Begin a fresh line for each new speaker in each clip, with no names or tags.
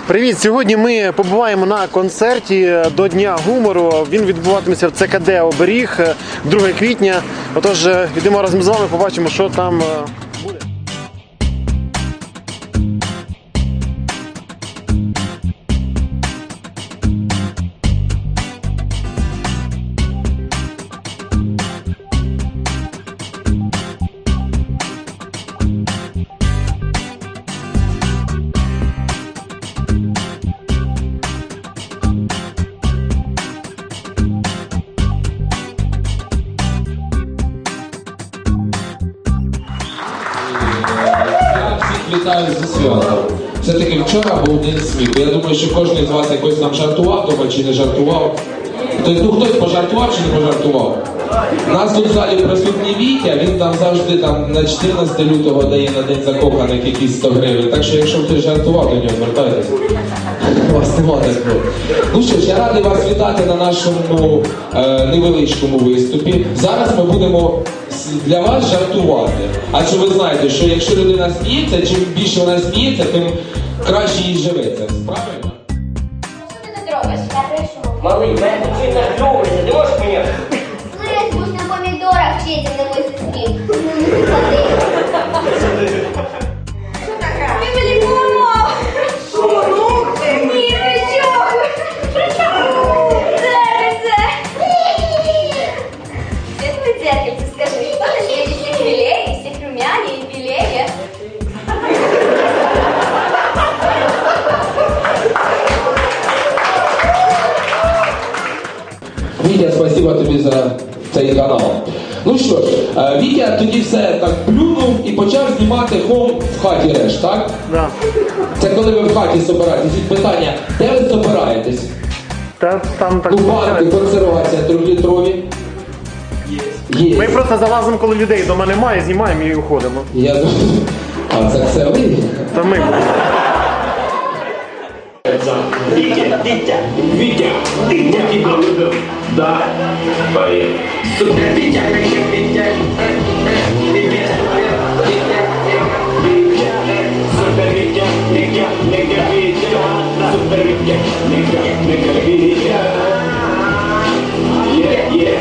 Привіт! Сьогодні ми побуваємо на концерті до Дня гумору. Він відбуватиметься в ЦКД «Оберіг» 2 квітня. Отож, йдемо разом з вами, побачимо, що там буде.
Вітаю зі святом. Все-таки вчора був день сміху. Я думаю, що кожен з вас якось там жартував дома чи не жартував. Хтось пожартував чи не пожартував. У нас тут в залі присутній Вітя, він там завжди там на 14 лютого дає на День закоханих якісь 100 гривень. Так що якщо хтось жартував, до нього звертайтеся. У вас нема такого. Ну що ж, я радий вас вітати на нашому невеличкому виступі. Зараз ми будемо для вас жартувати. Адже ви знаєте, що якщо людина сміється, чим більше вона сміється, тим краще їй живеться. Правильно?
Що ти тут робиш? Я прийшов.
Малий, мене тут сильно кльовується, ти можеш мені?
Слизь, будь на помідорах вчиться на мой сестрі. Що таке? Ми вилікуємо! Шурухти! Ні, при чому? При чому? Це! Світлий зеркальце, скажи, хто на світі всіх милее, всіх румянее і білее?
Вітя, спасибо тобі за цей канал. Ну що ж, Вітя тоді все так плюнув і почав знімати хом в хаті реш, так?
Да.
Це коли ви в хаті собираєтесь. І питання, де ви собираєтесь?
Там так.
Ну, банки, консервація, 3-літрові. Є.
Ми просто залазимо, коли людей вдома немає, знімаємо і уходимо.
Я думаю, а це ви?
Та ми.
Вітя, Вітя, тебе любив. Да. Поїхали. Супер, Вітя, Вітя. Супер, Вітя, Вітя, Вітя. Супер, Вітя, Вітя, Вітя. Є.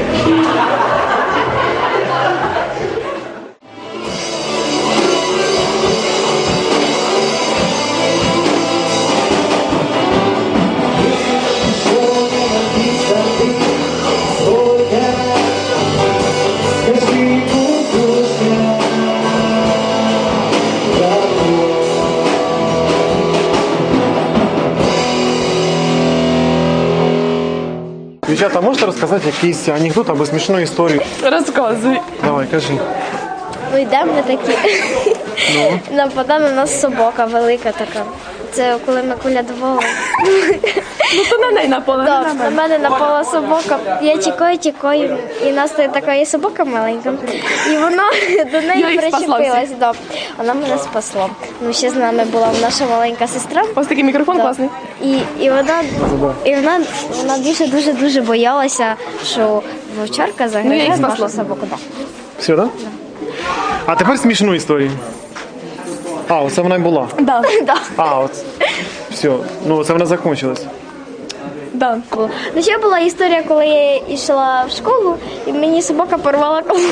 Дівчата, можете розказати якийсь анекдот або смішну історію?
Розказуй.
Давай, кажи.
Ну йдемо ми такі. Нападає на нас собака велика така. Це коли ми колядували.
Ну то на неї напала, не
Так,
на
на
мене.
мене напала собака. Я тікаю, і в нас така є собака маленька. І вона до
Я
неї
їх спасла
причепилась. Да. Вона мене спасла. Ну, ще з нами була наша маленька сестра.
Ось такий мікрофон
Да.
класний.
І вона дуже боялася, що вовчарка
Ну, я
загризе
їх
нашу
спасла.
собаку. Да.
Все, так? Да? А тепер смішну історію. А, оце вона й була.
Да.
Да.
А, от. Все. Ну, це вона закінчилась.
Да.
Ну, ще була історія, коли я йшла в школу, і мені собака порвала коло.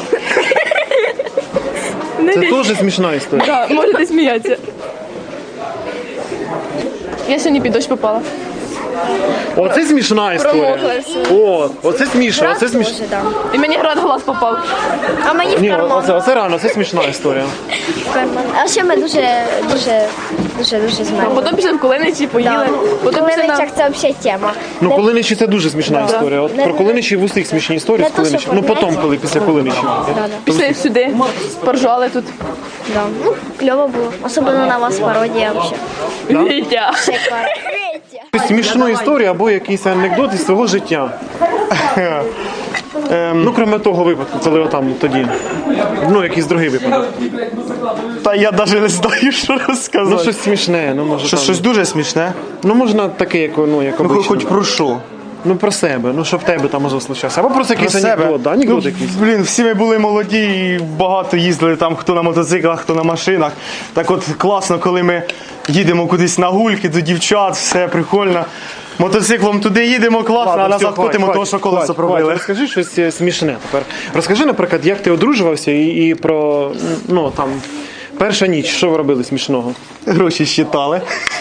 Не
Це
бій.
теж смішна історія.
Да, можете сміятися. Я сьогодні під дощ попала.
Оце смішна історія.
Промокла все.
О, оце смішно, оце смішно.
Дуже, да.
І мені град в глаз попав.
А мені в
Ні,
карман.
оце реально, це смішна історія.
В карман. А ще ми дуже змерзли.
Потім пішли в Кулиничі, поїли. Потім
В
пішли на...
Кулиничах це взагалі тема.
Ну, Кулиничі це дуже смішна історія. От
Не-
про Кулиничі в усіх смішні історії
не
з
то, що
Кулиничі. Ну, потім,
порівняти.
коли після Кулиничів.
Пішли сюди, поржали тут.
Да. Ну, кльово було. Особливо на вас пародія взагалі.
Вітя.
Шикарно.
Смішну історію або якийсь анекдот із свого життя. Ну, крім того випадку, коли отам тоді. Ну, якийсь другий випадок.
Та я навіть не знаю, що розказати.
Ну, щось смішне, ну може.
Щось
там-
дуже смішне.
Ну, можна таке, як, ну, як
Ну,
обично.
хоч про що.
Ну про себе, ну що в тебе там може случатися. Або просто якийсь анекдот, да? Анекдот якийсь.
Блін, всі ми були молоді і багато їздили там, хто на мотоциклах, хто на машинах. Так от класно, коли ми їдемо кудись на гульки до дівчат, все прикольно. Мотоциклом туди їдемо, класно, а
Ладно,
назад
все,
котимо,
хватить,
того, що колесо
хватить,
пробили.
Розкажи щось смішне тепер. Розкажи, наприклад, як ти одружувався і про, ну там, перша ніч, що ви робили смішного?
Гроші щитали.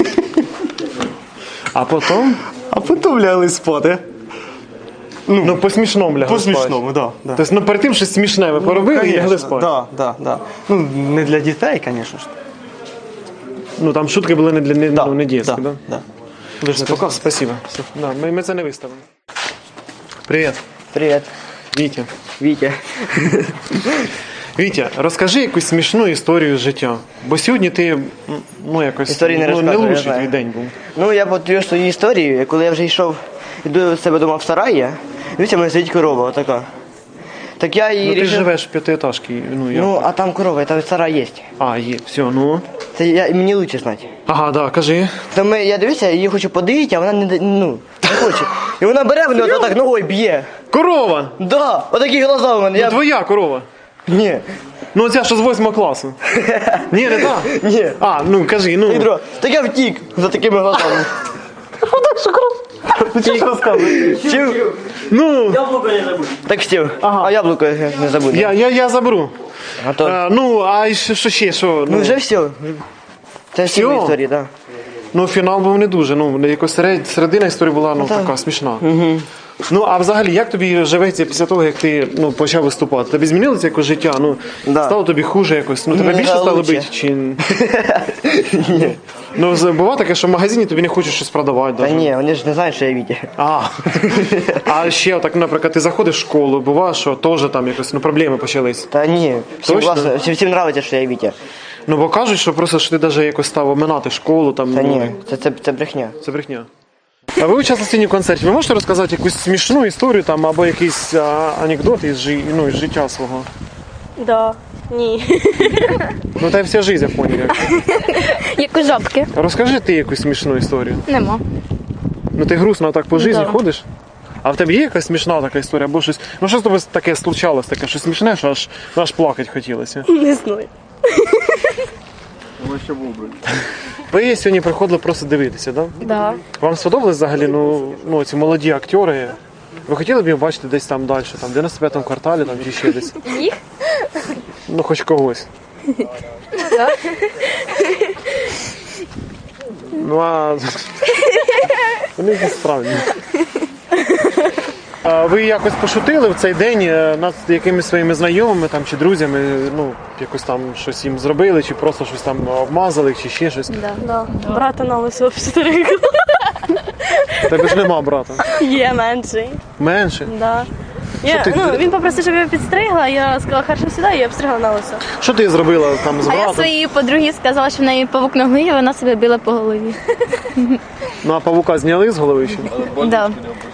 А потім,
А потім лягли спати.
ну по смішному лягли
По
спати.
смішному, так. Да,
Тобто, ну перед тим щось смішне ви поробили і лягли спати.
Да. Ну, не для дітей, звісно ж.
Ну там шутки були не для не дітські, да?
Да.
Ви ж не показуєте? Спасибо. Все. Да, ми це не виставимо. Привіт,
Привет,
Вітя.
Витя.
Вітя, розкажи якусь смішну історію з життя. Бо сьогодні ти, ну якось,
Історії не
не
розказую, я
лучший
знаю.
твій день був.
Ну, я повторю свою історію. Коли я вже йшов, йду до себе вдома в сараї, дивіться, в мене сидить корова, отака. Так я її
Ну ти ж
рішив...
живеш в п'ятиэтажці, ну я.
Ну, а там корова, там сарай є.
А, є, все, ну.
Це мені лучше знати.
Ага, да, кажи.
Там я дивлюся, її хочу подивити, а вона не хоче. І вона бере мене отак ногою б'є.
Корова!
Да, отакі глаза у мене.
Ну,
Я...
твоя корова.
Ні,
Ну оця що з 8 класу. Ні, не так?
ні.
А, ну кажи, ну.
Ідро, так я втік за такими глазами.
Ти що розказуєш?
Чив?
Ну,
Так хотів.
Ага.
А яблуко не забудь.
я заберу.
А то...
Ну, а що ще, що?
Ну вже все. Це всі
Всьо?
мої історії, так.
Ну, фінал був не дуже. Ну, якось середина історії була ну, така смішна. Ну, а взагалі, як тобі живеться після того, як ти ну, почав виступати? Тобі змінилося якось життя? Ну,
Да.
стало тобі хуже якось? Ну, тебе
Мені
більше стало
лучше.
бити? Чи... Ну, буває таке, що в магазині тобі не хочуть щось продавати.
Та
даже.
ні, вони ж не знають, що я Вітя.
А ще, так, наприклад, ти заходиш в школу, буває, що теж там якось ну, проблеми почались.
Та ні, всім
Точно?
класно, всім нравиться, що я Вітя.
Ну, бо кажуть, що просто що ти навіть якось став оминати школу. Там,
Та
ну,
ні, це брехня.
Це брехня. А ви участвуєте в концерті. Ви можете розказати якусь смішну історію там, або якийсь анекдот із, ну, із життя свого?
Да. Ні.
Ну, та й вся життя, я поняв.
Як у жабки.
Розкажи ти якусь смішну історію.
Нема.
Ну ти грустно так по житті
Да.
ходиш? А в тебе є якась смішна така історія, або щось. Ну що з тобою таке случалось, таке щось смішне, що аж плакати хотілося.
Не знаю.
Ви сьогодні приходили просто дивитися, так? Да?
Да.
Вам сподобались взагалі ну, ці молоді актори? Ви хотіли б їх бачити десь там далі, там, в 95-му кварталі там, чи ще десь?
Їх?
Ну, хоч когось. Ну, а... Вони якісь справді. А ви якось пошутили в цей день над якимись своїми знайомими там, чи друзями, ну, якось там щось їм зробили, чи просто щось там обмазали, чи ще щось?
Да. Брата на лисо обстригла.
Тебе ж нема брата.
Є менший.
Менше?
Да.
ти-
Він попросив, щоб я підстригла, я сказала, хорошо, сюди, і я обстригла на лисо.
Що ти зробила там з
А я
братом?
своїй подругі сказала, що в неї павук на голові, вона себе била по голові.
Ну, а павука зняли з голови ще?
Да.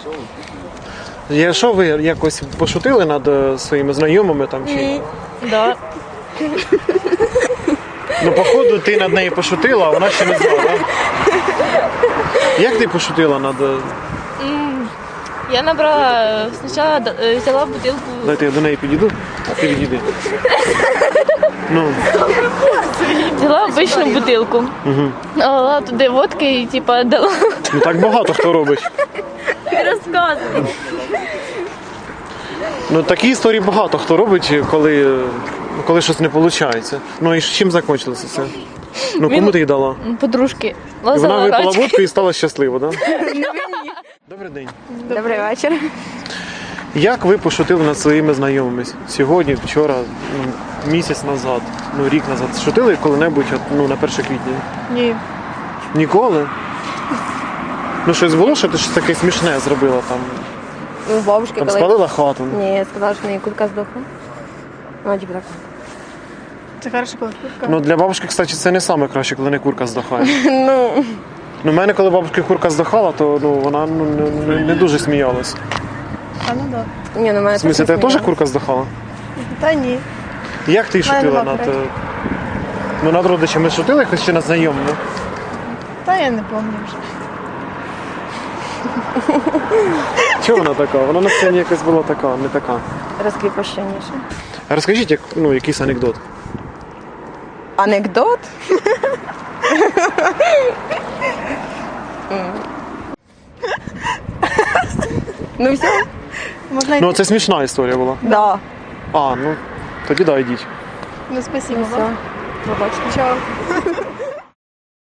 Що ви якось пошутили над своїми знайомими там чи?
Да.
Ну, походу, ти над нею пошутила, а вона ще не знала, так? Як ти пошутила над...
Я набрала, спочатку взяла бутилку.
Дайте я до неї підійду, а ти відійди. Ну,
Взяла обичну бутилку. Налила туди водки і типа дала.
ну так багато хто робить.
Розказую.
Ну такі історії багато хто робить, коли щось не виходить. Ну і чим закінчилося це? Ну кому ти їй дала?
Подружки.
І вона
Лазила
випила
рачки.
водку і стала щаслива, так? Добрий день.
Добрий вечір.
Як ви пошутили над своїми знайомими сьогодні, вчора, місяць назад, ну рік назад? Шутили коли-небудь на 1 квітня?
Ні.
Ніколи? Ну щось було, що ти щось таке смішне зробила там?
У бабушки
Там
коли...
спалила хату?
Ні, я сказала, що в неї курка здохла. Ну, типу так.
Це хорошо, коли курка.
Ну для бабушки, кстати, це не саме краще, коли не курка здохає.
Ну,
Ну, в мене, коли бабушки курка здохала, то вона не дуже сміялась.
А ну да.
ні, ну мене
В смысле, тебе теж курка здохала?
Та ні.
Як ти шутила над... Ну, над родичами шутила якось чи над знайомими?
Та я не пам'ятаю вже.
Чого вона така? Вона на сцені якась була така, не така.
Розкріпощеніше.
Розкажіть, якийсь анекдот.
Анекдот? Ну все. Можна йти?
Ну, це смішна історія була.
Да.
А, ну, тоді да, йдіть.
Ну, спасибо вам. Побачимо. Чао.